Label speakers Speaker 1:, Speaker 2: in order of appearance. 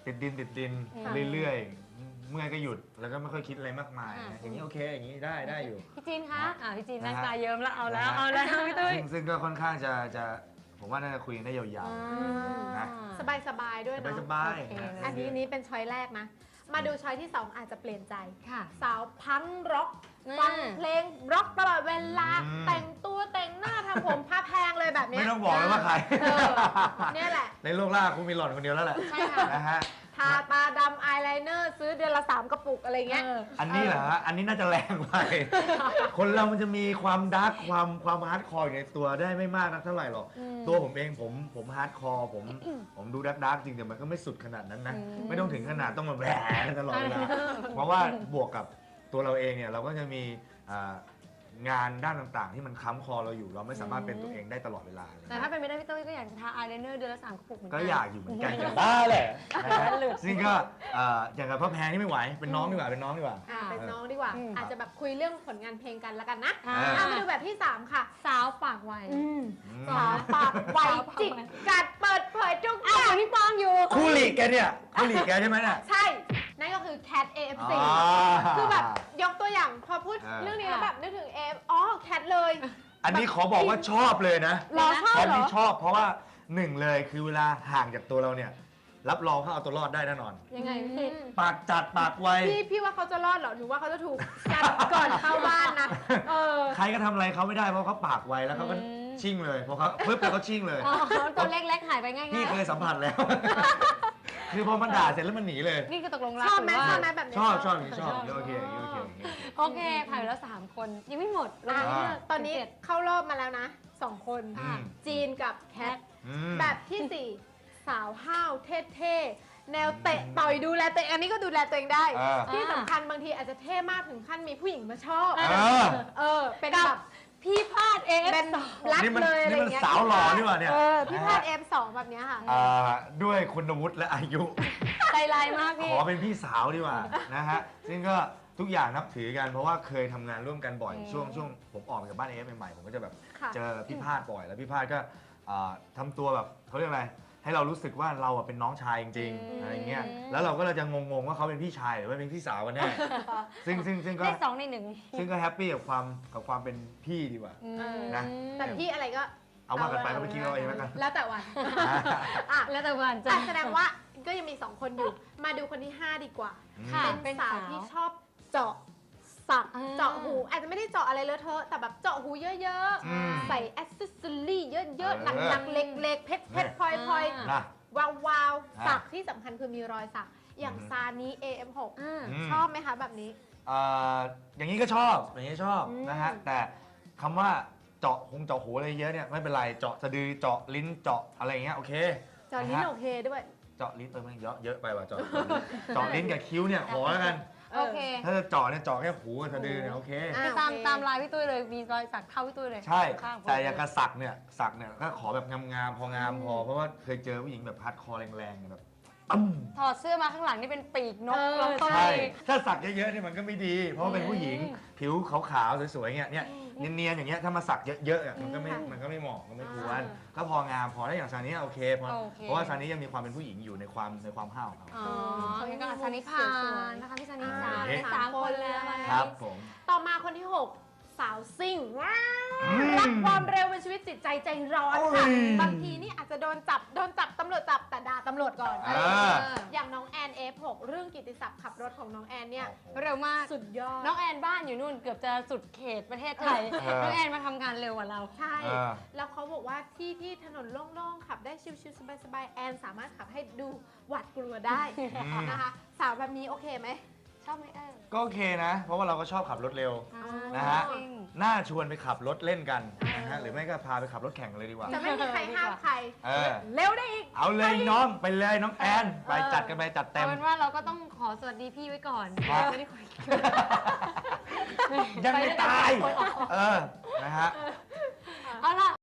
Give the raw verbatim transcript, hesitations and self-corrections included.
Speaker 1: ติดดินติดดินเรื่อยๆเมื่อยก็หยุดแล้วก็ไม่ค่อยคิดอะไรมากมายอย่างนี้โอเคอย่างนี้ได้ได้อยู่
Speaker 2: พี่จีนคะอ่าพี่จีนนั่งตาเยิ้มแล้วเอาแล้วเอาแล้วพี่ตุ้ย
Speaker 1: ซึ่งก็ค่อนข้างจะจะผมว่าน่าจะคุยกันได้ยาวๆนะ
Speaker 3: สบายๆด้วยเนาะ
Speaker 1: สบาย
Speaker 3: อันนี้นี้เป็นช้อยแรกนะมาดูช้อยที่สองอาจจะเปลี่ยนใจ
Speaker 2: ค่ะ
Speaker 3: สาวพังร็อกฟังเพลงร็อกตลอดเวลาแต่งตัวแต่งหน้าทำผมผ้าแพงเลยแบบนี้
Speaker 1: ไม่ต้องบอกเลยว่าใคร
Speaker 3: เนี่ยแหละ
Speaker 1: ในโลกล่าคุณมีหล่อนคนเดียวแล้วแหละ
Speaker 3: ใช่ค่ะ
Speaker 1: นะฮะ
Speaker 3: ทาตาดำอายไลเนอร์ซื้อเดือนละสามกระปุกอะไรเงี้ย
Speaker 1: อันนี้เหรอฮะอันนี้น่าจะแรงไปคนเรามันจะมีความดาร์กความความฮาร์ดคอร์อยู่ในตัวได้ไม่มากนักเท่าไหร่หรอกตัวผมเองผมผมฮาร์ดคอร์ผมผมดูดาร์กดาร์กจริงแต่มันก็ไม่สุดขนาดนั้นนะไม่ต้องถึงขนาดต้องมาแหวกตลอดเวลาเพราะว่าบวกกับตัวเราเองเนี่ยเราก็จะมีงานด้านต่างๆที่มันค้ำคอเราอยู่เราไม่สามารถเป็นตัวเองได้ตลอดเวลา
Speaker 2: แต่ถ้าเป็นไม่ได้พี่ตุ้ยก็อยากจะทาอายไลเนอร์เดือนละสามกระปุกเหมือนกัน
Speaker 1: ก็อยากอยู่เหมือนกันอย่างบ้าแหละซึ่งก็อย่างกับพ่อแพงนี่ไม่ไหวเป็นน้องดีกว่าเป็นน้องดีกว่า
Speaker 3: เป็นน้องดีกว่าอาจจะแบบคุยเรื่องผลงานเพลงกันแล้วกันนะมาดูแบบที่สามค่ะ
Speaker 2: สาวปากไว
Speaker 3: สาวปากไวจิกกัดเปิดเผยทุกอย่าง
Speaker 2: ที่ป้องอยู่
Speaker 1: คู่หลีกแกเนี่ยคู่หลีกแกใช่ไหมเนี่ย
Speaker 3: ใช่นั่นก็คือ Cat เอ เอฟ ซี คือแบบยกตัวอย่างพอพูดเรื่องนี้แล้วแบบนึกถึงเอฟอ๋อ Cat เลย
Speaker 1: อันนี้ขอบอกว่าชอบเลยนะ
Speaker 3: เราชอบเหรอ
Speaker 1: Cat นี่ชอบเพราะว่าหนึ่งเลยคือเวลาห่างจากตัวเราเนี่ยรับรองเขาเอาตัวรอดได้แน่นอน
Speaker 3: ยังไงพี่
Speaker 1: ปากจัดปากไว
Speaker 3: พี่พี่ว่าเขาจะรอดเหรอหนูว่าเขาจะถูกจัดก่อนเข้าบ้านนะเออ
Speaker 1: ใครก็ทำอะไรเขาไม่ได้เพราะเขาปากไวแล้วเขาก็ชิ่งเลยพอเขาปึ๊บแล้วเขาชิ่งเลย
Speaker 2: ตัวเล็กๆหายไปง่ายๆ
Speaker 1: พี่เคยสัมผัสแล้วคือพอมันด่าเสร็จแล้วมันหนีเลย
Speaker 2: นี่คือตกลงรัก
Speaker 3: ชอบไหมชอบไหมแบบนี้
Speaker 1: ชอบชอบชอบโอเคโอเค
Speaker 2: โอเคผ่านไปแล้วสามคนยังไม่หมด
Speaker 3: ตอนนี้เข้ารอบมาแล้วนะสองคนจีนกับแคทแบบที่สี่สาวห้าวเท่ๆแนวเตะต่อยดูแลตัวเองอันนี้ก็ดูแลตัวเองได้ที่สำคัญบางทีอาจจะเท่มากถึงขั้นมีผู้หญิงมาชอบเออเป็นแบบพี่พาดเอฟเป็นรักเลยอะไรเงี้ย
Speaker 1: สาวหล่อนี่หว่าเนี่ย
Speaker 3: พี่พาดเอฟสองแบบนี้ค่ะ
Speaker 1: ด้วยคุณวุฒิและอายุ
Speaker 2: ใจลายมากพี่
Speaker 1: ขอเป็นพี่สาวดีกว่านะฮะซึ่งก็ทุกอย่างนับถือกันเพราะว่าเคยทำงานร่วมกันบ่อยช่วงช่วงผมออกจากบ้านเอฟใหม่ๆผมก็จะแบบเจอพี่พาดบ่อยแล้วพี่พาดก็ทำตัวแบบเขาเรียกอะไรให้เรารู้สึกว่าเราเป็นน้องชายจริงๆอะไรเงี้ยแล้วเราก็เลยจะงงๆว่าเขาเป็นพี่ชายหรือว่าเป็นพี่สาวกันแน่ซึ่งซึ่งซึ่งก็
Speaker 2: ได้สองในหนึ่ง
Speaker 1: ซึ่งก็แฮปปี้กับความกับความเป็นพี่ดีกว่านะ
Speaker 3: แต่พี่อะไรก็
Speaker 1: เอาว่ากันไปก็ไปคิดเราเองแล้วกัน
Speaker 3: แล้วแต่วัน
Speaker 2: แล้วแต่วัน
Speaker 3: จะแสดงว่าก็ยังมีสองคนอยู่มาดูคนที่ห้าดีกว่าเป็นสาวที่ชอบเจาะสักเจาะหูอาจจะไม่ได้เจาะอะไรเลอะเทอะแต่แบบเจาะหูเยอะๆใส่แอสเซสซอรี่เยอะๆหนักๆเล็กๆเพชรเพชรพลอยพลอยวาวๆสักที่สำคัญคือมีรอยสักอย่างซานี้ เอ เอ็ม หก ชอบไหมคะแบบนี้
Speaker 1: อย่างนี้ก็ชอบอย่างนี้ชอบนะฮะแต่คำว่าเจาะคงเจาะหูอะไรเยอะเนี่ยไม่เป็นไรเจาะสะดือเจาะลิ้นเจาะอะไรเงี้ยโอเค
Speaker 3: เจาะลิ้นโอเคด้วย
Speaker 1: เจาะลิ้นเออมันเยอะเยอะไปว่ะเจาะเจาะลิ้นกับคิ้วเนี่ยขอแล้วกัน
Speaker 2: โอเค
Speaker 1: ถ้าจะเจาะเนี่ยเจาะแค่หูกับสะดือเนี่ยโอเค
Speaker 2: ตามตามลายพี่ตุ้ยเลยมีรอยสักเข้าพี่ตุ้ยเลย
Speaker 1: ใช่แต่อย่างกระสักเนี่ยสักเนี่ยก็ขอแบบงามๆพองามพอเพราะว่าเคยเจอผู้หญิงแบบฮาร์ดคอร์แรงๆแบบ
Speaker 2: ถอดเสื้อมาข้างหลังนี่เป็นปีกนก
Speaker 1: ใช่ถ้าสักเยอะๆนี่มันก็ไม่ดีเพราะว่าเป็นผู้หญิงผิวขาวๆสวยๆเงี้ยเนี่ยเนียนๆอย่างเงี้ยถ้ามาสักเยอะๆมันก็ไม่มันก็ไม่เหมาะก็ไม่ควรก็พองามพอได้อย่างซานี้โอเคเพราะเพราะว่าซานี้ยังมีความเป็นผู้หญิงอยู่ในความในความห้าวเขา
Speaker 2: อ๋อยังกับซานิพานนะคะพี่ซานิสามสามคนเลย
Speaker 1: ครับผม
Speaker 3: ต่อมาคนที่หกสาวซิ่งว้าวรักความเร็วเป็นชีวิตจิตใจใจร้อนค่ะบางทีนี่อาจจะโดนจับโดนจับตำรวจจับแต่ด่าตำรวจก่อนอย่างน้องแอน เอฟ หก เรื่องกิตติศัพท์ขับรถของน้องแอนเนี่ย
Speaker 2: เร็วมาก
Speaker 3: สุดยอด
Speaker 2: น้องแอนบ้านอยู่นู่นเกือบจะสุดเขตประเทศไทยน้องแอนมาทำงานเร็วกว่าเรา
Speaker 3: ใช่แล้วเขาบอกว่าที่ที่ถนนโล่งๆขับได้ชิวๆสบายๆแอนสามารถขับให้ดูหวาดกลัวได้นะคะสาวแบบนี้โอเคไหม
Speaker 2: ชอบไหมเออ
Speaker 1: ก็โอเคนะเพราะว่าเราก็ชอบขับรถเร็วนะฮะน่าชวนไปขับรถเล่นกันนะฮะหรือไม่ก็พาไปขับรถแข่งเลยดีกว่า
Speaker 3: จะไม่มีใครห้ามใครเร็วได้อีก
Speaker 1: เอาเลยน้องไปเลยน้องแอนไปจัดกันไปจัดเต็ม
Speaker 2: เอาเป็นว่าเราก็ต้องขอสวัสดีพี่ไว้ก่อนไม่ได้คุย
Speaker 1: ยังไม่ตายเออนะฮะ
Speaker 2: เอาล่ะ